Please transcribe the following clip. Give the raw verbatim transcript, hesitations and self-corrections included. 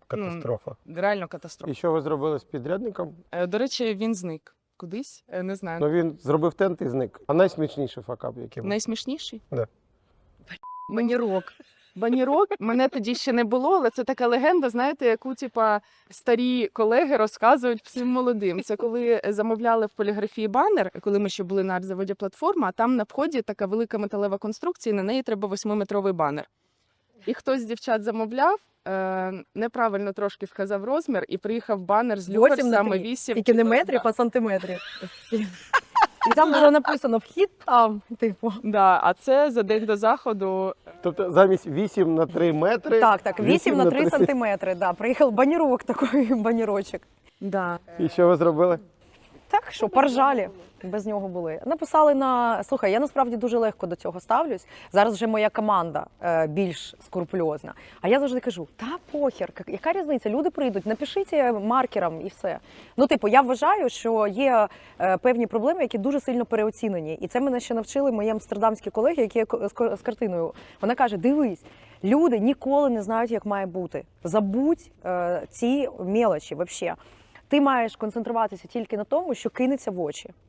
Катастрофа. Ну, реально катастрофа. І що ви зробили з підрядником? Е, До речі, він зник кудись, е, не знаю. Ну він зробив тент і зник. А найсмішніший факап, який був? Найсмішніший? Да. Банірок. Банірок мене тоді ще не було, але це така легенда, знаєте, яку типа старі колеги розказують всім молодим. Це коли замовляли в поліграфії банер, коли ми ще були на арт-заводі платформа, а там на вході така велика металева конструкція, і на неї треба восьмиметровий банер. І хтось з дівчат замовляв, е, неправильно трошки вказав розмір, і приїхав банер з люверсами вісім. Тільки не метрів, а сантиметрів. І там було написано «вхід там», типу. Да, а це за день до заходу. Тобто замість вісім на три метри. Так, так, вісім на три сантиметри, да. Приїхав банірок, такий банірочок. Да. І що ви зробили? Так, що, поржалі без нього були. Написали на... Слухай, я насправді дуже легко до цього ставлюсь. Зараз вже моя команда е, більш скрупульозна. А я завжди кажу, та похер, яка різниця? Люди прийдуть, напишіть маркером і все. Ну, типу, я вважаю, що є е, певні проблеми, які дуже сильно переоцінені. І це мене ще навчили мої амстердамські колеги, які з, з картиною. Вона каже, дивись, люди ніколи не знають, як має бути. Забудь е, ці мелочі, взагалі. Ти маєш концентруватися тільки на тому, що кинеться в очі.